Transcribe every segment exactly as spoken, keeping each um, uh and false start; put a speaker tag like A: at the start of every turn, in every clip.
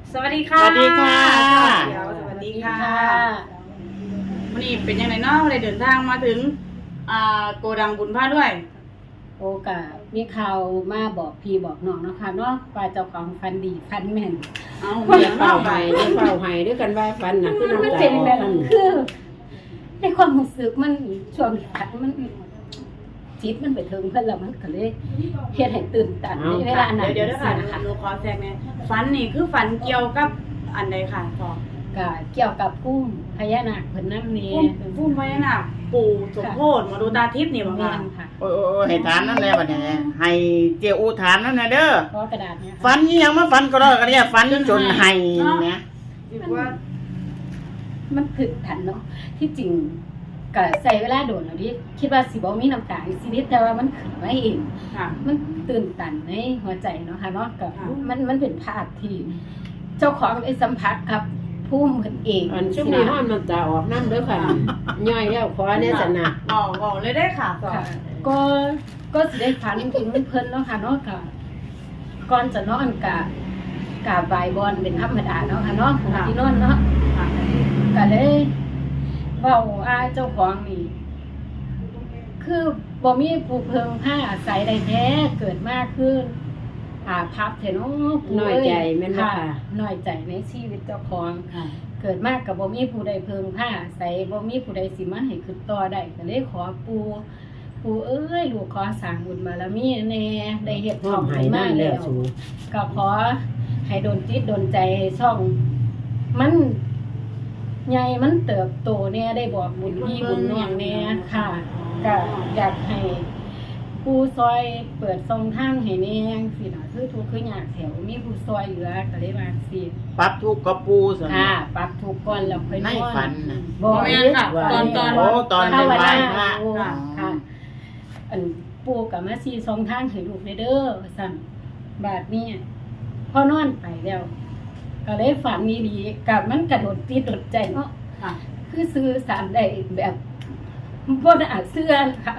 A: สวัสดีค่ะ
B: สวัสดีค่ะ
A: เดี๋ยวสวัสดีค่ะวันนี้เป็นยังไงเนาะเลยเดินทางมาถึงอ่าโกดังบุญผ้าด้วย
C: โอกาสมีข่าวมาบอกพี่บอกน้องเนาะค่ะเนาะว่าเจ้าของฟันดีฟันแม่น
A: เอา
D: เดี๋ยวเป่าไห้เดี๋ยวเป่าไห้ด้วยกันว่าฟันน่ะคือ
C: มัน
D: น้ำตา
C: เป็น
D: ออก
C: แบบ
D: อืม
C: คือในความรู้สึกมันช่วงขัดมันจิตมันไปถึงเพิ่นแล้วมันก็เลยเฮ็ดให้ตื่นตันในเวลานั้น
A: เดี๋ยวเดี๋ยวค่ะ
C: ค่ะ
A: หนูขอแทรกเนี่ยฝันนี่คือฝันเกี่ยวกับอันใดค่ะพอ
C: ก็เกี่ยวกับกุ้งพญานาคเพิ่นนำนี่
A: พุ่มพุ่มพญานาคปู่สมโพธิหมอดูตาทิพย์นี่บ่
C: แม่
A: ค่ะ
C: นค่ะ
B: โอ้ยโอ้ยโอ้ยให้ถามนั่นแหละบัดนี้ให้เจ้าอูถามนั่นน่ะเด้อ
C: ขอกระดาษเนี่ยค่ะ
B: ฝันอีหยังมาฝันก็ได้ก็ได้ฝันจนให้เนี่ย
A: คิดว่า
C: มันถึกทันเนาะที่จริงก็ใส่เวลาโดนแล้วดิคิดว่าสิบ่มีน้ำตาในชีวิตแต่ว่ามันขึ้นมาเอง
A: ค่ะ
C: มันตื่นตันในหัวใจเนาะค่ะเนาะกับ
A: ค่ะ
C: มันมันเป็นภาพที่ เจ้าของได้สัมผัสกับผู้เพิ่นเอง
D: อันช่วงนี้ห้อนน้ำตาออกน้ำเด้อค่ะย่อยแล้วขอเนี่ยสนะ
A: อ๋อบอกเลยได้ค่ะสอ
C: ค่ะ ก็ก็สิได้ฝันถึงเพิ่นเนาะค่ะเนาะกับก่อนจะนอนกะกะบายบอนเป็นธรรมดาเนาะค่ะเนาะของที่นอนเนาะ
A: ค่ะ
C: ก็เลยเว้าอาเจ้าของนี่ คือบ่มีผู้เพิงผ้าอาศัยใดแท้เกิดมากขึ้นอ่าพับเถอะเนาะปู่
D: น้อยใจแม่นบ่
C: ค่ะ
D: ค่ะ
C: น้อยใจในชีวิตเจ้าของ
D: ค่ะ
C: เกิดมากกับบ่มีผู้ใดเพิงผ้าอาศัยบ่มีผู้ใดสิมาให้ขึ้นต่อได้ก็เลยขอปู่ปู่เอ้ยลูกขอสร้างบุญบารมีแน่ได้เฮ็ด
D: ห้
C: ช่
D: อ
C: อง ง
D: ไห้
C: ให้มา
D: น้ำแล้
C: แล้ว ว
D: สู
C: ก็ขอให้โดนจิตโดนใจช่อง มันใหญ่มันเติบโตแน่ได้บอกบุญพี่บุญน้องแน่ค่ะก็อยากให้ผู้ซอยเปิดทรงทางให้แน่สิน่ะคือทุกข์คือยากแถวมีผู้ซอยเหลือก็เลยว่าสิ
B: ปรับทุกข์กับปูซั่น
C: ค่ะปรับทุกข์ก่อนแล้วค่อยน
B: ใน
C: อน
B: ฝันน่ะ
C: บ่
A: บ่แม่นค่ะตอนตอน
B: โอ้ตอนเป็นไหว้พระ
C: ค่ะค่ะ อันปู่ก็มาชี้ทรงทางให้ลูกเด้อว่าซั่นบาดนี้พอนอนไปแล้ว ก็เลยฝันดีๆกับมันกระโดดติดโดดใจเนาะ
A: ค่ะ
C: คือซื้อสารได้แบบบ่ได้อาจเสื้อค่ะ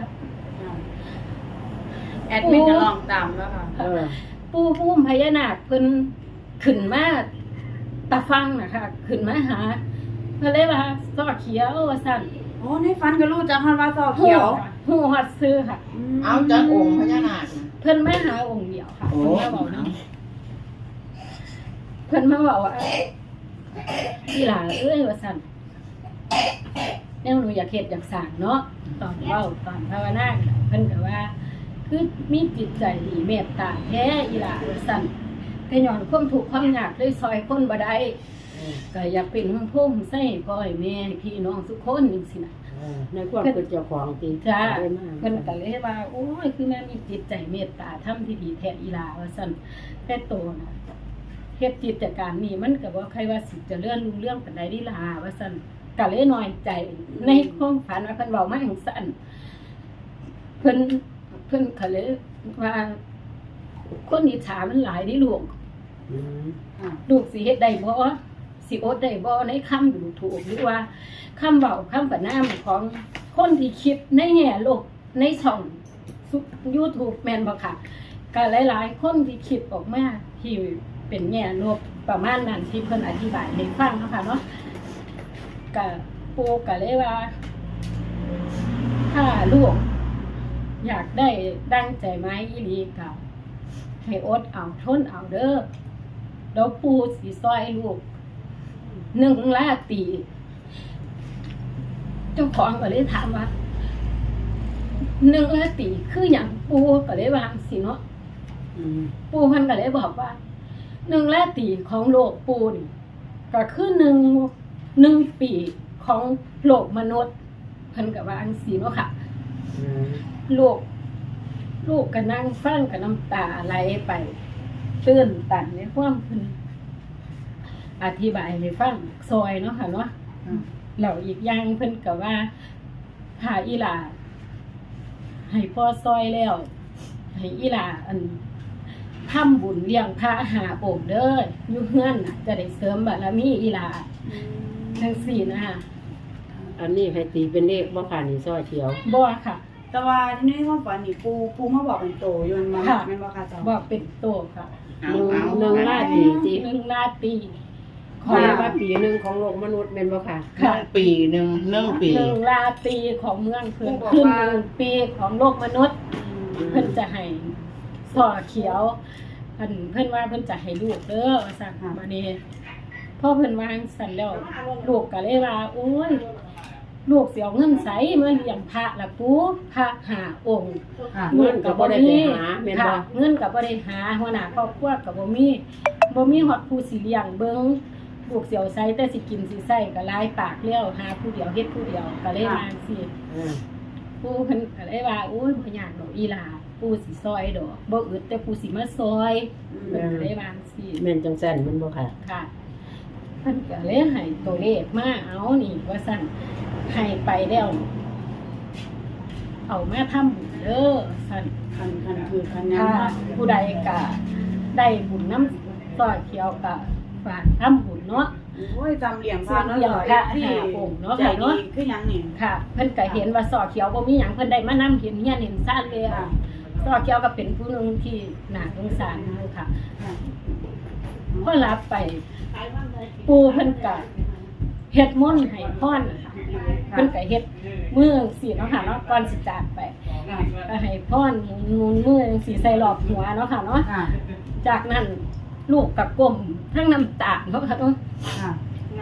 A: แอดมินจะลองตามแล้วค่ะ
D: เออ
C: ปู่พุ่มพญานาคเพิ่นขึ้นมาตาฟังนะคะขึ้นมาหาเพิ่นเลยว่าซอเขียวว่าซั่น
A: โอ้ในฝันก็รู้จักฮันว่าซอเขียว
C: ฮู้ฮอดซื้อค่ะ
B: เอาจากองค์พญานาคน่ะ
C: เพิ่นมาหาองค์เดียวค่ะ
B: โอ้
C: เพิ่นมาบอกนะเพิ่นมาบอกว่าพี่หลาเอ้ยว่าซั่นแนวหนูอยากเฮ็ดอยากสร้างเนาะตอนเว้าตอนภาวนาเพิ่นก็ว่า คือมีจิตใจดีเมตตาแท้อีหลาว่าซั่นแต่ย้อนความทุกข์ความยากเลยซอยคนบ่ได้ก็อยากเป็นหุ่มโพงใส่พ่อให้แม่ให้พี่น้องทุกคนจังซี่น่ะ
D: เออในความเป็นเจ้าของตี
C: จ้า
D: ได้มาก
C: เพิ่นก็เลยว่าโอ้ยคือแม่มีจิตใจเมตตาทำที่ดีแท้อีหลาว่าซั่นแต่โตน่ะเฮ็ดกิจการนี้มันก็บ่ใครว่าสิเจะเลื่อนรุ่งเรื่องปานใดดีล่ะว่าซั่นก็เลยน้อยใจในความฝันว่าเพิ่นเว้ามาจังซั่นเพิ่นเพิ่นก็เลยว่าคนอิจฉามันหลายเดิลูก
D: อืม
C: ลูกสิเฮ็ดได้บ่สิอดได้บ่ในคำดูถูกหรือว่าคำเว้าคำประนามของคนที่คิดในแง่ลบในช่อง YouTube แม่นบ่ค่ะก็หลายๆคนที่คิดออกมาที่เป็นแง่ลบประมาณนั้นที่เพิ่นอธิบายให้ฟังเนาะค่ะเนาะก็ปู่ก็เลยว่า ถ้าลูกอยากได้ดังใจไหมอีหลีก็ให้อดเอาทนเอาเด้อเดี๋ยวปู่สิซอยลูกหนึ่งลาตีเจ้าของก็เลยถามว่าหนึ่งลาตีคืออย่างปู่ก็เลยวาจั่งสิเนาะ
D: อืม
C: ปู่เพิ่นก็เลยบอกว่าหนึ่งลาตีของโลกปู่นี่ก็คือหนึ่งหนึ่งปีของโลกมนุษย์เพิ่นก็ว่าจั่งสิเนาะค่ะ
D: อืม
C: ลูกลูกก็นั่งฟังกับน้ำตาไหลไปตื้นตันในความเพิ่นอธิบายให้ฟังซอยเนาะค่ะเนาะแล้วอีกอย่างเพิ่นก็ว่าหาอีหลาให้พ่อซอยแล้วให้อีหลาอันทำบุญเลี้ยงพระหาโองค์เด้ออยู่เฮือนน่ะจะได้เสริมบารมีอีหลาจังซี่นะคะ
D: อันนี้ให้ตีเป็นเลขบ่ค่ะนี่ซอยเขียว
C: บ่ค่ะ
A: แต่ว่าที่ในความฝันนี่ปูปูมาบอกเป็นโตอยู่มันมา
C: ค่ะ
A: แม่นบ่ค่ะเจ้า
C: บอกเป็นโตค่ะ
D: อ
B: เอา
D: หนึ่ง
B: เอา
D: หนึ่งราตรีจี
C: หนึ่งราตรี
D: ขอว่าปีหนึ่งของโลกมนุษย์เป็นบ่ค่ะ
B: หนึ่งปีหนึ่งหนึ่งปี
C: หนึ่งราตรีของเมืองเพิ่นขึ้นหนึ่งปีของโลกมนุษย์ เพิ่นจะให้สอเขียวเพิ่นเพิ่นว่าเพิ่นจะให้ลูกเด้อว่าซั่นมานี่พอเพิ่นวางสั่นแล้วลูกก็เลยว่าโอ้ยลูกสิเอาเงินไสมาเลี้ยงพระล่ะปู่พระห้าองค์
A: ค่ะ
D: เงินก็บ่ได้ไปหาแม่นบ่
C: ค่ะเงินก็บ่ได้หาหัวหน้าครอบครัวก็บ่มีบ่มีฮอดผู้สิเลี้ยงเบิ่งลูกสิเอาไสแต่สิกินสิใช้ก็หลายปากแล้วหาผู้เดียวเฮ็ดผู้เดียวก็เลยว่าจังซี่
D: อ่า
C: ปู่เพิ่นก็เลยว่าโอ้ยบ่ยากดอกอีหลาปู่สิซอยดอกบ่อึดแต่ปู่สิมาซอยเพิ่นก็เลยว่าจังซี่
D: แม่นจังซั่นแม่นบ่ค่ะ
C: ค่ะเพิ่นก็เลยให้ตัวเลขมาเอานี่ว่าซั่นให้ไปแล้วเอามาทำบุญเด้อซั่น
A: คันคันคือคันยัง
C: ถ้า
A: เนาะ
C: ผู้ใดก็ได้บุญน้ำซอยเขียวก็ฝากทำบุญเนาะ
A: โอ้ยจำเหลี่ยมพาเนาะ
C: เหลี่ยมพระหาองค์เนาะ
A: ใจ
C: ค่ะเนาะ
A: ดีคือหยังนี่
C: ค่ะ เพิ่นก็เห็นว่าซอเขียวบ่มีหยังเพิ่นได้มานํเห็นเฮียนเห็นซ่านเลย
A: ค่ะ
C: ซอเขียวก็เป็นผู้หนึงที่น่าสงสารอยู่ค่ะ
A: ค่ะ
C: พอรับไป ปู่เพิ่นก็เฮ็ดมนต์ให้พรค่ะเพิ่นก็เฮ็ดมือสิเนาะค่ะเนาะก่อนสิจากไป
A: ค่ะ
C: ก็ให้พรหมุนมือสิใส่รอบหัวเนาะค่ะเนาะ
A: ค่ะ
C: จากนั้นลูกก็ก้มทั้งน้ำตาเนาะค่ะเนาะ
A: ค่ะ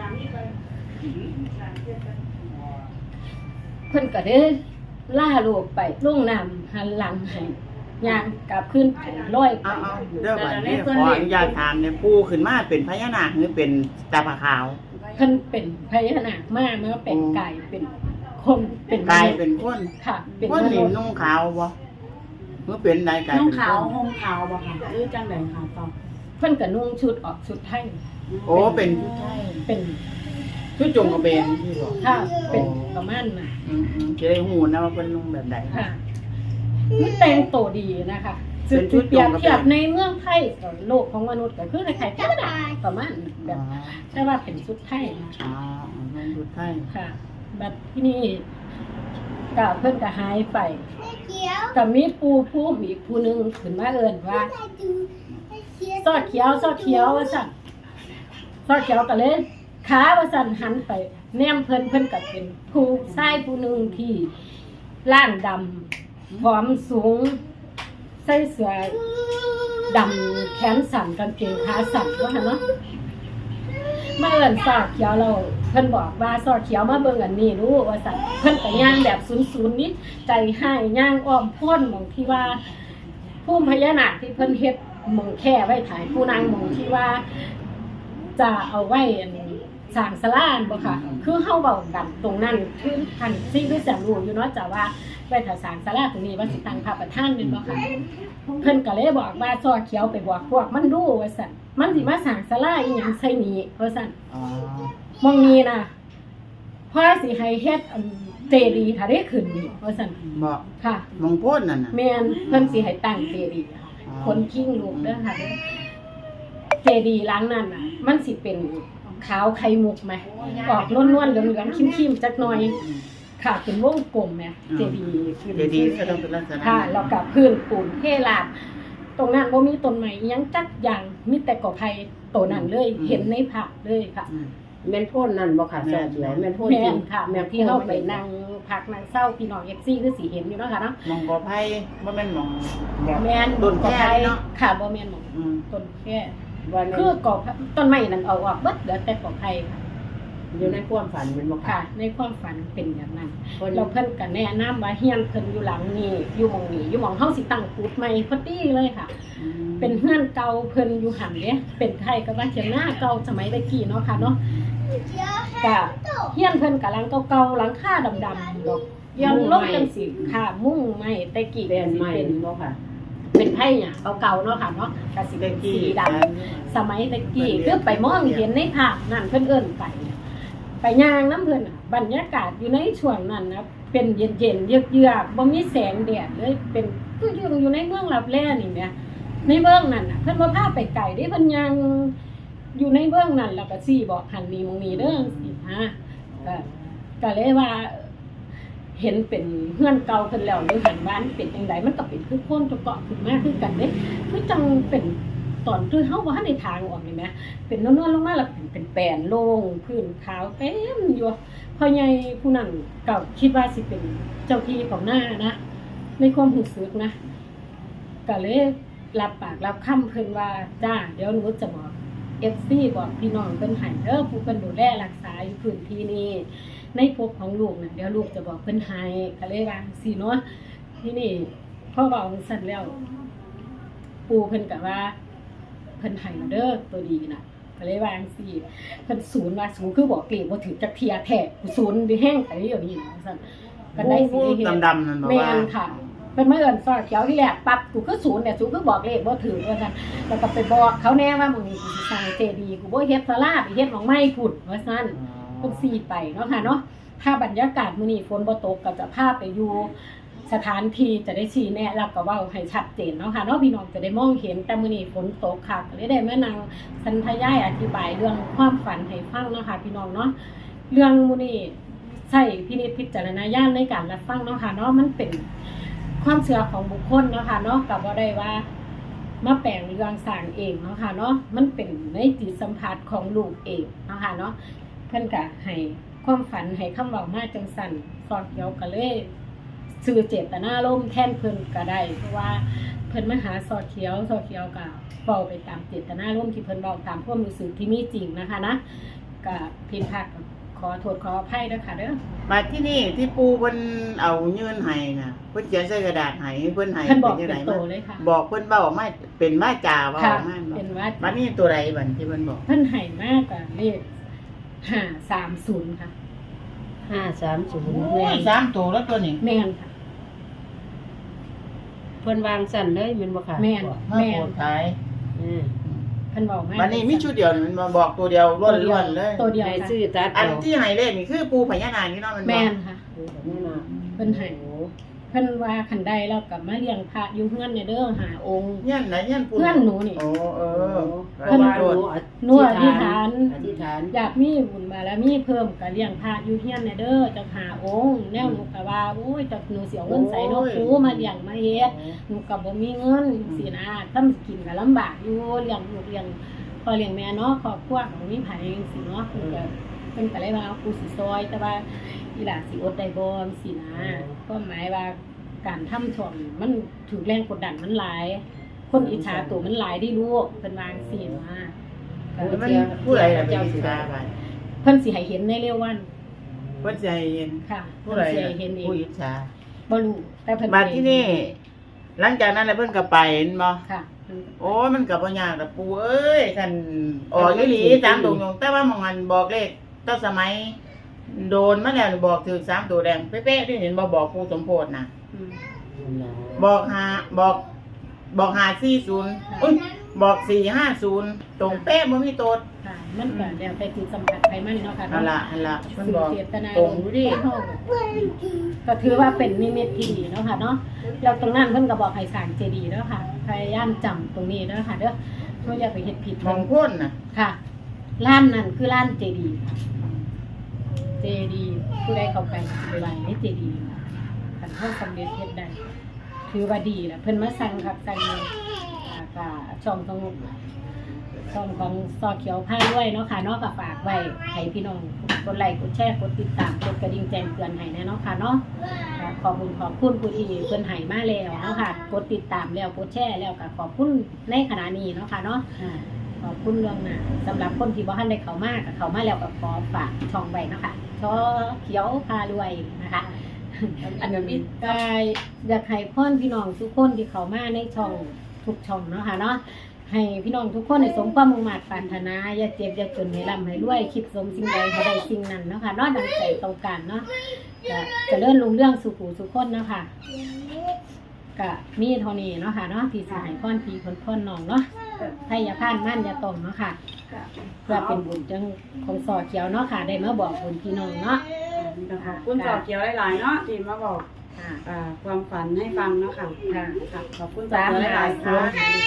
C: เพิ่นก็ได้ล่าลูกไปลงน้ำหันหลังให้ย่างกลับขึ้นไปร้อยไป
B: เอาเอาเด้อบัดนี้ขออนุญาตถามเนี่ยปูขึ้นมาเป็นพญานาคหรือเป็นตาผาขาว
C: เพิ่นเป็นพญานาคมาเมื่อเป็นไก่เป็นคนเป็น
B: กลายเป็นคน
C: ค่ะ เป็น
B: คน
C: ม
B: นี่
C: นุษย์
B: นุ่งขาวบ่เมื่อเป็นใดกลาย
A: น้อง
B: เป็นค
A: ขาวน ห่มขาวบ่ค่ะหรือจังไดค่ะต่อ
C: เพิ่นก็นุ่งชุดออกชุดไทย
B: โอ้เป็น
A: ใช่
C: เป็น
B: ชุดจงกระเบนที่บอก
C: ค่ะเป็นประมาณน่ะ
B: อืมอืมจะได้หูนะว่าเป็นนุ่งแบบใด
C: ค่ะมันแต่งตัวดีนะคะ
B: เป็นชุด
C: เปรียบ
B: จงกระเบน
C: เทียบในเมืองไทยกับโลกของมนุษย์ก็คือในไทยธรรมดาประมาณแบ
B: อ๋อบ
C: ใช่ว่าเป็นชุดไทยนะ
B: อ๋อนุ่งชุดไทย
C: ค่ะ แบบที่นี่ก็เพิ่นก็หายไปก็มีปูผู้มีผู้หนึงขึ้นมาเอิ้นว่าซอดเขียวซอดเขียวว่าซั่นซอดเขียวก็เลยขาว่าซั่นหันไปแนมเพิ่นเพิ่นก็เป็นผู้ชายผู้หนึงที่ร่างดำผอมสูงใส่เสื้อดำแขนสั้นกางเกงขาสั้นว่าหั่นเนาะมาเอิ้นซอดเขียวเราเพิ่นบอกว่าซอดเขียวมาเบิ่งอันนี้รู้ว่าซั่นเพิ่นก็ย่างแบบศูนย์ๆนิดใจให้ย่างอ้อมพ้นหม่องที่ว่าภูมิพญานาคที่เพิ่นเฮ็ดหม่องแค่ไว้ถ่ายผู้นางหม่องที่ว่า จะเอาไว้อันสร้างศาลาบ่ค่ะ คือเฮาเว้ากันตรงนั้นคือท่านสิ่งที่แสนรู้อยู่เนาะจ้ะว่าไว้ถ้าสร้างศาลาตรงนี้ว่าสิตั้งพระประธานแม่นบ่ค่ะเพิ่นก็เลยบอกว่าซอเขียวไปบอกพวกมันดูว่าซั่นมันสิมาสร้างศาลาอีหยังใส่นี้ว่าซั่น
B: อ๋อ
C: มองนี้น่ะพอสิให้เฮ็ดอันเจดีย์ถ้าได้ขึ้นนี่ว่าซั่น
B: บอก
C: ค่ะ
B: มองโพ่นนั่นน่ะ
C: แม่นเพิ่นสิให้ตั้งเจดีย์ค่ะ
B: อ๋อ
C: คนคิงลูกเด้อค่ะเด้อเจดีย์หลังนั้นน่ะ มันสิเป็นขาวไข่มุกไหมออกนวลๆเหลืองๆคิ้มๆจักหน่อย ค่ะเป็นวงกลมแหมเจดีย์ขึ้น
B: เจดีย์ก็ต้องเป็นลักษณะ
C: ค่ะแล้วกับพื้นปูนเทลาดตรงนั้นบ่มีต้นไม้อิหยังจักอย่างมีแต่กอไผ่ตัวนั้นเลย เห็นในภาพเลยค่ะ
B: อืม
D: แม่นโพ่นนั่นบ่ค่ะซอเขียวแม่นโพ่น
C: แม่
D: จริ
C: น
D: ง
C: ค่ะแม่ที่เฮาไปนั่งพักนั่งเศร้าพี่น้อง เอฟ ซี คือสิเห็นอยู่เนาะค่ะเนาะ
B: มองกอไผ่บ่แม่นมองแบบ
C: แม่น
B: ต้นแค่
C: กอไผ่
B: เนาะ
C: ค่ะบ่แม่นหมอง
B: อืม
C: ต้นแค่
D: วัน
C: คื
D: นี้
C: อกอไผ่ต้นไม้นั่นเอาออกเบิดเหลือแต่กอไผ่ค่ะ
D: อยู่ในความฝันแม่นบ่
C: ค่ะ
D: ค่ะ
C: ในความฝันเป็นอย่างนั้น
D: เพิ่น
C: เราเพิ่นก็แนะนำว่าเฮียนเพิ่นอยู่หลังนี้อยู่หม่องนี้อยู่หม่องเฮาสิตั้งกุดใหม่พอดีเลยค่ะ เป็นเฮือนเก่าเพิ่นอยู่หั่นเด้เป็นไทยก็ว่าเถียงหน้าเก่าสมัยตะกี้เนาะค่ะเนาะก็เฮียนเพิ่นก็หลังเก่าๆหลังคาดำๆดอกย้อนลงจังสิค่ะมุ้งไม้ตะกี้
D: เป็น
C: สิ
D: ใหม่
C: เป็น
D: บ่ค่ะ
C: เป็นไผหยังเก่าๆเนาะค่ะเนาะก็สิเป็นสีดำสมัยตะกี้คือไปมองเห็นในภาพนั่นเพิ่นเอิ้นไป ไปย่างน้ำเพิ่นน่ะบรรยากาศอยู่ในช่วงนั้นนะเป็นเย็นๆเยือกๆบ่มีแสงแดดเลยเป็นคืออยู่อยู่ในเมืองลับแลนี่แหมในเมืองนั่นน่ะเพิ่นบ่พาไปไกลเด้เพิ่นย่างอยู่ในเมืองนั่นแล้วก็ซี่บอกหันมีหมองนี้เด้อสิฮะก็ก็เลยว่า เห็นเป็นเฮือนเก่าเพิ่นแล้วเลยหันบ้านเป็นจังไดมันก็เป็นคือโคนตะเกาะขึ้นมาคือกันเด้คือจังเป็นตอนคือเฮาบ่ทันได้ทางออกนี่แหมเป็นนวลๆลงมาแล้วเป็นเป็นแป้นโล่งพื้นขาวเต็มอยู่พ่อใหญ่ผู้นั้นก็คิดว่าสิเป็นเจ้าที่ของหน้านะในความรู้สึกนะก็เลยรับปากรับคำเพิ่นว่าจ้าเดี๋ยวหนูจะบอก เอฟ ซี บอกพี่น้องเพิ่นให้เด้อผู้เพิ่นดูแลรักษาอยู่พื้นที่นี้ในภพของลูกน่ะเดี๋ยวลูกจะบอกเพิ่นให้ก็เลยว่าสิเนาะที่นี่พ่อเว้าสั่นแล้วปู่เพิ่นก็ว่าเพิ่นให้เด้อตัวดีน่ะก็เลยว่าจังซี่เพิ่นศูนย์ว่าศูนย์คือบอกเลขบ่ถือจักเที่ยแท้ศูนย์ดิแห้งไปอย่างนี้นะซั่นก็ได้สิได้เฮ็ด
B: ดำๆนั่นบอก
C: แม่
B: ว่า
C: นค่ะเป็นมาเอิ้นซอเขียวที่แรกปั๊บกูคือศูนย์เนี่ยศูนย์คือบอกเลขบ่ถือว่าซั่นแล้วก็ไปบอกเขาแน่ว่ามึงนี่กูสิสร้างเจดีย์กูบ่เฮ็ดศาลาไปเฮ็ดหม่องไม้พุ่นว่าซั่นเพิ่นสิไปเนาะค่ะเนาะถ้าบรรยากาศมื้อนี้ฝนบ่ตกก็จะพาไปอยู่สถานที่จะได้ชี้แนะแล้วก็เว้าให้ชัดเจนเนาะค่ะเนาะพี่น้องจะได้มองเห็นแต่มื้อนี้ฝนตกค่ะก็เลยได้มานั่งสันทยายอธิบายเรื่องความฝันให้ฟังเนาะค่ะพี่น้องเนาะเรื่องมื้อนี้ใช้พินิจพิจารณญาณในการรับฟังเนาะค่ะเนาะมันเป็นความเชื่อของบุคคลเนาะค่ะเนาะก็บ่ได้ว่ามาแปลงเรื่องสร้างเองเนาะค่ะเนาะมันเป็นในจิตสัมผัสของลูกเองเนาะค่ะเนาะเพิ่นก็ให้ความฝันให้คำเว้ามาจังซั่นสอนเกี่ยวก็เลยสื่อเจตนารมณ์แทนเพิ่นก็ได้เพราะว่าเพิ่นมาหาสอดเขียวสอดเขียวก็เว้าไปตามเจตนารมณ์ที่เพิ่นเว้าตามความรู้สึกที่มีจริงนะคะนะก็ผิดพลาดขอโทษขออภัยด้วยค่ะเด้อ
B: มาที่นี่ที่ปูเพิ่นเอายื่นให้น่ะเพิ่นเขียนใส่กระดาษให้เพิ่นให้
C: เพิ่นบอก
B: จัง
C: เป็
B: ได๋
C: นโตเลยค่ะ
B: บอกเพิ่นเว้ามาเป็นว่าจาเว้า
C: ค่ะ
B: มา
C: เป็นว่า
B: บัดนี้ตัวใดบัดที่เพิ่นบอก
C: เพิ่นให้มากกว่าเลขห้าสามศูนย์ค่ะ
D: ห้าสามศูนย์
B: โอ้
D: แม่
B: ย
D: น
B: สามตัวแล้วตัวนี้
C: แม่นค่ะ
D: เพิ่นวางสั่นเลยแม่นบ่ค่ะ
C: แม่น
B: มาโปรดขาย
D: อืม
C: เพิ่นบอกมา
B: บัดนี้มีชุดเดียวนี่มันมาบอกตัวเดียวล้วนๆเลย
C: ตัวเดียว
D: ให้
C: ค่ะ
D: ซื้อตัด
B: อั
D: เอา
B: นที่ให้เลขนี่คือปูพญานาคนี่เนาะมันบอก
C: แม่นค่ะ
D: แม่นน่ะ
C: เพิ่นให้เพิ่นว่าคันใดแล้วก็มาเลี้ยงพระอยู่เฮือนเนี่ยเด้อหาองค์
B: เงี้ยนไหนเงี้ยนปู
C: เพื่อนหนูนี่
B: โอ้เออ
D: เพราะว่าหนู
C: หนูอธิษฐาน
D: อธิษฐาน
C: อยากมีบุญบารมีเพิ่มก็เลี้ยงพระอยู่เฮียนเนี่ยเด้อจักหาองค์แนวหนูก็ว่าโอ้ยจักหนูสิเอาเงินใส่เนาะปูมาเลี้ยงมาเฮ็ดหนูก็บ่มีเงินสินะถ้ามันกินก็ลำบากอยู่เลี้ยงลูกเลี้ยงพ่อเลี้ยงแม่เนาะครอบครัวก็บ่มีไผจังซี่เนาะเพิ่นก็เพิ่นก็เลยว่าเอากูสิซอยแต่ว่าอีหลาสิอดได้บ่จังซี่นะความหมายว่าการทำช่องมันถูกแรงกดดันมันหลาย คนอิจฉาตัวมันหลายได้ลูกเพิ่นวาจังซี่ว่า
B: มันผู้ใดล่ะเป็นอิจฉาไป
C: เพิ่นสิให้เห็นในเร็ววัน
B: เพิ่นสิให้เห็น
C: ค่ะ
B: ผู้
C: เพิ่น
B: ใด
C: สิ
B: ล่ะ
C: ให้เห็นเอง
B: ผู้อิจฉา
C: บ่รู้แต่เพิ่น
B: มาที่นี่ หลังจากนั้นแล้วเพิ่นก็ไปเห็นบ่
C: ค่ะ
B: โอ้ยมันก็บ่ยากดอกปูเอ้ยท่านออกอีหลีสามตัวตรงแต่ว่าหมองอันบอกเลขตั้งสมัย โดนมาแล้วนี่บอกถึงสามตัวแดงเป๊ะๆที่เห็นบ่บอกปูสมโพธิน่ะ
C: อืม
B: บอกหาบอก บอกหาสี่ศูนย์อุ้ยบอกสี่ห้าศูนย์ตรงเป๊ะบ่มีโตด
C: ค่ะมันก็แล้วแต่จิตสัมผัสไผมันเนาะค่ะ
B: นั่นล่ะนั่นล่ะมันบอก
C: เจตนา
B: ตรงอยู่ดิ
C: ก็ถือว่าเป็นนิมิตที่ดีเนาะค่ะเนาะแล้วตรงนั้นเพิ่นก็บอกให้สร้างเจดีย์เนาะค่ะพยายามจำตรงนี้เนาะค่ะเด้อบ่อย่าไปเฮ็ดผิด
B: ม
C: เพิ่
B: อน งพ้นน่ะ
C: ค่ะร้านนั้นคือร้านเจดีย์ค่ะเจดีย์ผู้ใดเข้าไปไปไหว้ในเจดีย์คันเฮาสำเร็จเฮ็ดได้ถือว่าดีล่ะเพิ่นมาสั่งคักสั่งแน่อ่าก็ช่องตรงช่องของซอเขียวผ้าด้วยเนาะค่ะเนาะก็ฝากไว้ให้พี่น้องกดไลค์กดแชร์กดติดตามกดกระดิ่งแจ้งเตือนให้แน่เนาะค่ะเนาะก็ขอบคุณขอบคุณผู้ที่เพิ่นให้มาแล้วเนาะค่ะกดติดตามแล้วกดแชร์แล้วก็ขอบคุณในขณะนี้เนาะค่ะเนาะ ขอบคุณล่วงหน้าสำหรับคนที่บ่ทันได้เข้ามาก็เข้ามาแล้วก็ขอฝากช่องไว้เนาะค่ะช่อเขียวพารวยนะคะ อันนี้ก็อยากให้พ่อนพี่น้องทุกคนที่เข้ามาในช่องทุกช่องเนาะค่ะเนาะให้พี่น้องทุกคนได้สมความมุ่งมั่นปรารถนาอย่าเจ็บอย่าจนให้ร่ำให้รวยคิดสมสิ่งใดให้ได้สิ่งนั้นเนาะค่ะเนาะดังใจต้องการเนาะก็เจริญรุ่งเรื่องสุขุสุขคนเนาะค่ะก็มีเท่านี้เนาะค่ะเนาะที่สิให้พ่อนพี่คนพ่อนน้องเนาะให้อย่าพลาดมั่นอย่าตรงเนาะค่ะเพื่อเป็นบุญจังของสอเขียวเนาะค่ะได้มาบอกบุญพี่น้องเนาะ
A: ขอบคุณสาวเขียวหลายๆเนาะที่มาบอก
C: ค่ะ
A: อ่าความฝันให้ฟังเนาะค่ะ
C: ค่ะ
A: ค่ะขอบคุณสาวเขียวหลายๆค่ะ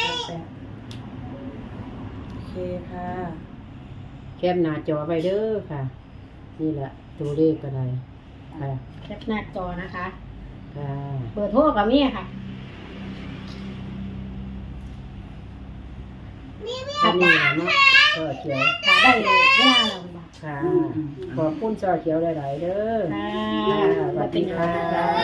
A: โอเคค่ะ
D: แคปหน้าจอไว้เด้อค่ะ นี่แหละตัวเลขก็ได้ค่ะ
C: แคปหน้าจอนะคะ
D: ค่ะ
C: เบอร์โทรกับมี่ค่ะ
D: แค่นี้แหละเนาะก็เขียว
C: ค่ะได้เวลาเราบ่
D: ค่ะ ขอบคุณซอเขียวหลายๆเด้อ
C: ค่ะ
D: ค่ะสวัสดีค่ะ